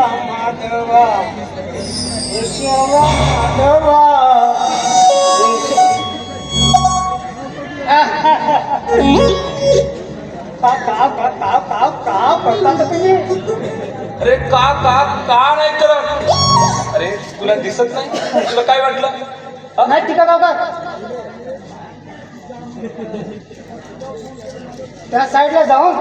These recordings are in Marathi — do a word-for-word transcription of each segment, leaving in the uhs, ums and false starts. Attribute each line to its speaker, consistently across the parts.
Speaker 1: माधवा केशव माधवा का का का का का का करता तुम्ही?
Speaker 2: अरे का का का नाही करत? अरे तुला दिसत नाही? तुला काय वाटलं? हा?
Speaker 1: नाही टीका का का त्या साईडला जाऊन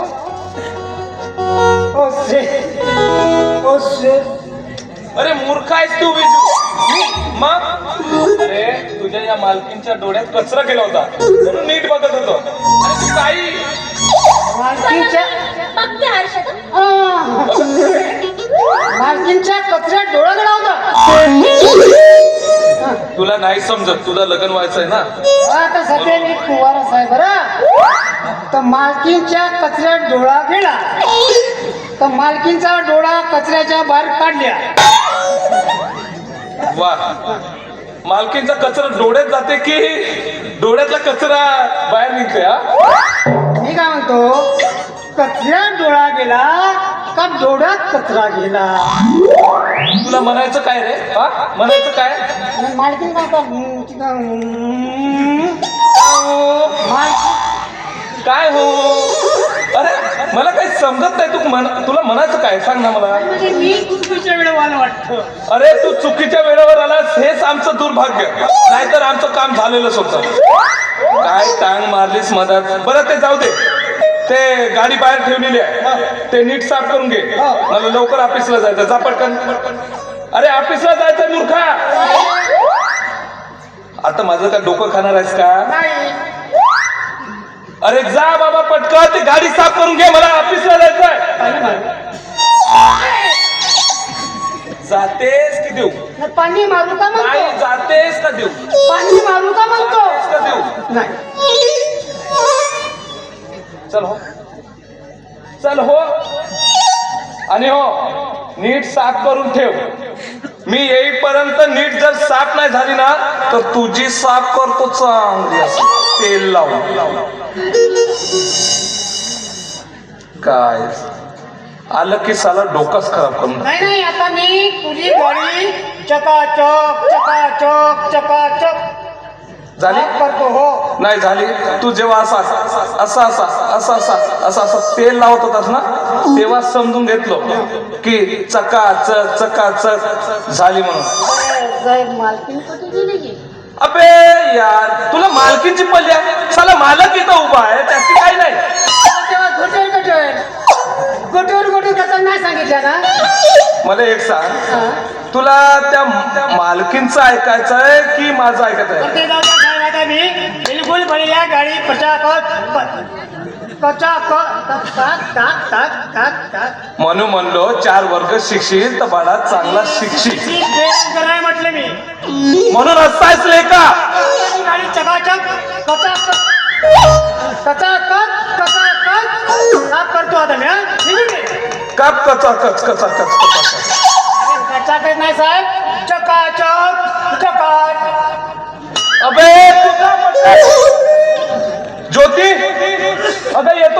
Speaker 1: ओ शे ओ शे
Speaker 2: अरे मूर्ख आहेस तू विजू. मग अरे तुझ्या या मालकींच्या डोळ्यात कचरा केला होता म्हणून नीट बघत होतो. अरे तू काही
Speaker 1: मालकींच्या
Speaker 3: बघते हर्षद.
Speaker 1: आ, मालकींच्या कचऱ्यात डोळा गडा होता.
Speaker 2: तुला नाही समजत, तुला लग्न व्हायचंय ना.
Speaker 1: आता सध्या मी कुवारच आहे बरं. तर मालकींच्या कचऱ्यात डोळा गेला तर मालकींचा डोळा कचऱ्याच्या बाहेर काढल्या.
Speaker 2: वा, मालकींचा कचरा डोळ्यात जाते की डोळ्यातला कचरा बाहेर निघते? हा,
Speaker 1: मी काय म्हणतो, कचऱ्यात डोळा गेला का डोळ्यात कचरा गेला?
Speaker 2: तुला म्हणायचं काय रे? हा, म्हणायचं काय?
Speaker 1: आणि मालकीन काय का हम्म, तिथं, हम्म, माल-
Speaker 2: काय हो? अरे मला काही समजत नाही. तू म्हण, तुला म्हणायचं काय सांग ना मला.
Speaker 1: म्हणजे मी चुकीच्या वेळेला वाटतं.
Speaker 2: अरे तू चुकीच्या वेळेवर आलास हेच आमचं दुर्भाग्य, नाहीतर आमचं काम झालेलंच होतं. काय टांग मारलीस मदत. बरं ते जाऊ दे, ते गाडी बाहेर ठेवलेली आहे ते नीट साफ करून घे. मला लवकर ऑफिसला जायचं. जा पटकन. अरे ऑफिसला जायचं मूर्खा. आता माझं काय डोकं खाणार आहेस का?
Speaker 1: नाही
Speaker 2: अरे जा बाबा पटकन, ते गाडी साफ करून घे, मला ऑफिसला जायचंय. जातेस की देऊ?
Speaker 1: नाही, पाणी मारू का
Speaker 2: नाही
Speaker 1: म्हणतो?
Speaker 2: जातेस का देऊ?
Speaker 1: पाणी मारू का म्हणतो?
Speaker 2: जातेस का देऊ?
Speaker 1: नाही.
Speaker 2: चल हो, चल हो. आणि हो, नीट साफ करून ठेव. मी येईपर्यंत नीट जर साफ नाही झाली ना तर तुझी साफ करतो चांगली असं तेल लावून. काय आलं की साला डोकंच खराब करून.
Speaker 1: नाही नाही, आता मी तुझी गाडी चकाचक चकाचक चकाचक
Speaker 2: झाली
Speaker 1: साफ करतो. हो
Speaker 2: नाही झाली. तू जेव्हा असा असा असा असा असा असा असं तेल लावत होतास ना तेव्हा समजून घेतलो की चकाचक चकाचक झाली म्हणून.
Speaker 1: साहेब मालकीन कुठे गेली की?
Speaker 2: अबे यार, तुला मालकीची पल्ली आहे. साला मालक इथं उभा आहे, त्याची काही नाही.
Speaker 1: तेव्हा गोटोर गोटोर गोटोर गोटोर कसं नाही सांगितलं ना?
Speaker 2: मला एक सांग,
Speaker 1: हा.
Speaker 2: तुला त्या त्या मालकींचं ऐकायचंय की माझं ऐकायचंय?
Speaker 1: तर ते जाऊ द्या साहेब, आता मी बिलकुल भरल्या गाडी पटापट
Speaker 2: म्हणून म्हणलो चार वर्ग शिकशील तर बाळा चांगला शिकशील
Speaker 1: नाही म्हटलं मी.
Speaker 2: म्हणून असायच लेका.
Speaker 1: गाडी चकाचक कचाकच कचाकच कचाकच साफ करतो आता मी. हा? निघून घे.
Speaker 2: कप कचा कच कचा कच कचा
Speaker 1: कचाकच नाही साहेब, चकाचक चकाच.
Speaker 2: अबे तुझा ज्योती अगं येतो.